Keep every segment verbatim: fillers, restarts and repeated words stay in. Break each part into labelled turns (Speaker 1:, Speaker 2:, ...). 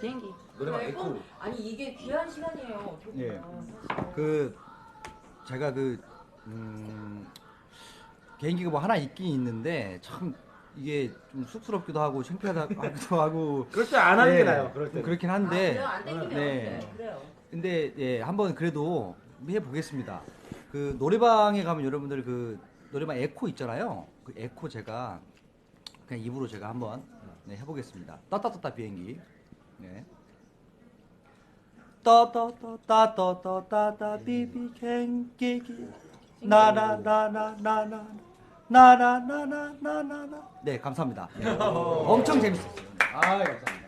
Speaker 1: 비행기.
Speaker 2: 노래방
Speaker 3: 네,
Speaker 2: 에코.
Speaker 3: 아니 이게 귀한 시간이에요. 어떻게
Speaker 4: 예.
Speaker 3: 보면.
Speaker 4: 그 제가 그 음, 개인기가 뭐 하나 있긴 있는데 참 이게 좀 쑥스럽기도 하고 창피하기도 하고
Speaker 2: 그럴 때 안 하는
Speaker 4: 네,
Speaker 2: 게 나아요. 그럴
Speaker 4: 좀
Speaker 2: 때.
Speaker 4: 그렇긴
Speaker 3: 아,
Speaker 4: 한데
Speaker 3: 그래요? 안 땡기면
Speaker 4: 네.
Speaker 3: 네. 그래요.
Speaker 4: 근데 예 한번 그래도 해 보겠습니다. 그 노래방에 가면 여러분들 그 노래방 에코 있잖아요. 그 에코 제가 그냥 입으로 제가 한번 네, 해보겠습니다. 따따따따 비행기. 네. 따따따따따따따 비비 갱기기 나나나나나나 나나나나나나. 네 감사합니다. 네. 엄청 재밌었어요. 아 감사합니다.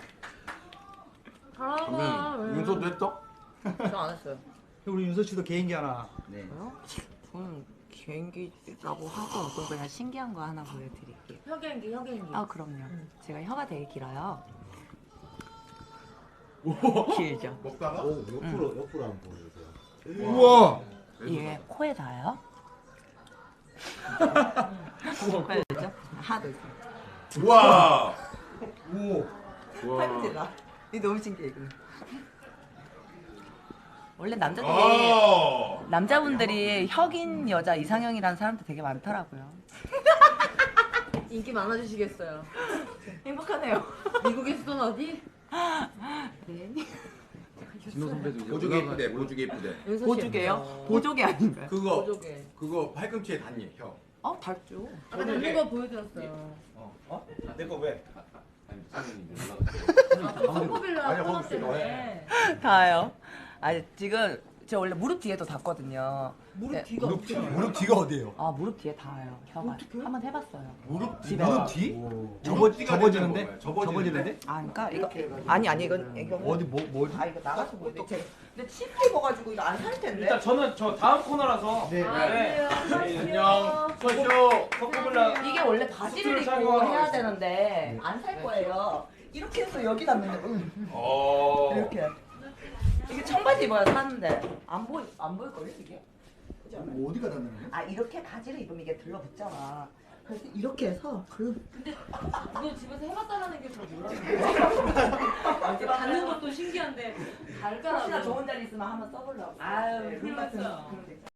Speaker 3: 잘한다.
Speaker 2: 음, 윤서도 했어?
Speaker 3: 저안 했어요.
Speaker 4: 우리 윤서 씨도 개인기 하나. 네.
Speaker 1: 뭐요? 저는 비행기라고 하고 그럼 그냥 신기한 거 하나 보여드릴게요.
Speaker 3: 혀개인기, 혀개인기.
Speaker 1: 아 그럼요.
Speaker 3: 음.
Speaker 1: 제가 혀가 되게 길어요. 길죠.
Speaker 2: 먹다가?
Speaker 5: 오, 옆으로 옆으로 한번 보여주세요.
Speaker 2: 우와.
Speaker 1: 이게 코에 닿아요? 코에 닿죠? 하나 둘 셋.
Speaker 2: 우와. 오.
Speaker 1: 팔꿈치다. 이 너무 신기해 이거. 원래 남자들이
Speaker 2: 아.
Speaker 1: 남자분들이 혁인 여자 이상형이라는 사람들 되게 많더라고요.
Speaker 3: 인기 많아지시겠어요.
Speaker 1: 행복하네요.
Speaker 3: 미국에서는 어디?
Speaker 1: 네.
Speaker 2: 진호 선배도 보조개 이쁘대. 보조개 이쁘대.
Speaker 3: 윤서 씨
Speaker 1: 보조개요?
Speaker 3: 예쁘죠.
Speaker 1: 보조개 아닌가요?
Speaker 2: 그거
Speaker 3: 보조개.
Speaker 2: 그거 팔꿈치에 닿니 형.
Speaker 1: 어 닮죠.
Speaker 3: 아까 닮는 거 보여드렸어요.
Speaker 2: 어? 어? 내 거 왜? 아니 사장님이
Speaker 3: 소코빌라
Speaker 2: 아니,
Speaker 3: 코너
Speaker 2: 거기
Speaker 3: 때문에.
Speaker 1: 다요. 아니 지금 저 원래 무릎 뒤에도 닿거든요.
Speaker 3: 무릎
Speaker 1: 네.
Speaker 3: 뒤가
Speaker 4: 무릎,
Speaker 3: 없잖아요.
Speaker 4: 무릎 뒤가 어디예요?
Speaker 1: 아 무릎 뒤에 닿아요. 혀가.
Speaker 3: 어떡해?
Speaker 1: 한번 해봤어요.
Speaker 2: 무릎
Speaker 1: 집에
Speaker 4: 무릎
Speaker 1: 가서.
Speaker 4: 뒤?
Speaker 2: 무릎
Speaker 4: 접어
Speaker 2: 뒤가
Speaker 4: 접어지는데?
Speaker 2: 되는 거예요. 접어지는데?
Speaker 1: 아 그러니까 이거 아니 아니 이건 이거
Speaker 4: 어디 뭐 뭐?
Speaker 1: 아 이거 나가서 보여. 근데 근데 침 입어가지고 이거 안 살 텐데.
Speaker 6: 일단 저는 저 다음 코너라서
Speaker 4: 네.
Speaker 3: 아, 그래요.
Speaker 6: 안녕 소쇼 코코블라
Speaker 1: 이게 원래 바지를
Speaker 6: 수트를
Speaker 1: 입고
Speaker 6: 착용하고
Speaker 1: 해야
Speaker 6: 있어요.
Speaker 1: 되는데 안 살 거예요. 이렇게 해서 여기 닿는데 음,
Speaker 2: 어.
Speaker 1: 이렇게 이게 청바지 입어야 사는데 안 보이 안 보일 걸요 이게? 그지 않아요?
Speaker 4: 어디가 닿는 거예요?
Speaker 1: 아 이렇게 바지를 입으면 이게 들러붙잖아. 그래서 이렇게 해서 그
Speaker 3: 이거 집에서 해봤다라는 게 잘 몰랐는데. 닿는 것도 신기한데
Speaker 1: 혹시나
Speaker 3: 발가락으로.
Speaker 1: 좋은 자리 있으면 한번 써보려고.
Speaker 3: 아유,
Speaker 1: 네,
Speaker 3: 큰일
Speaker 1: 룸 같은
Speaker 3: 났어요.
Speaker 1: 그런 데 있잖아.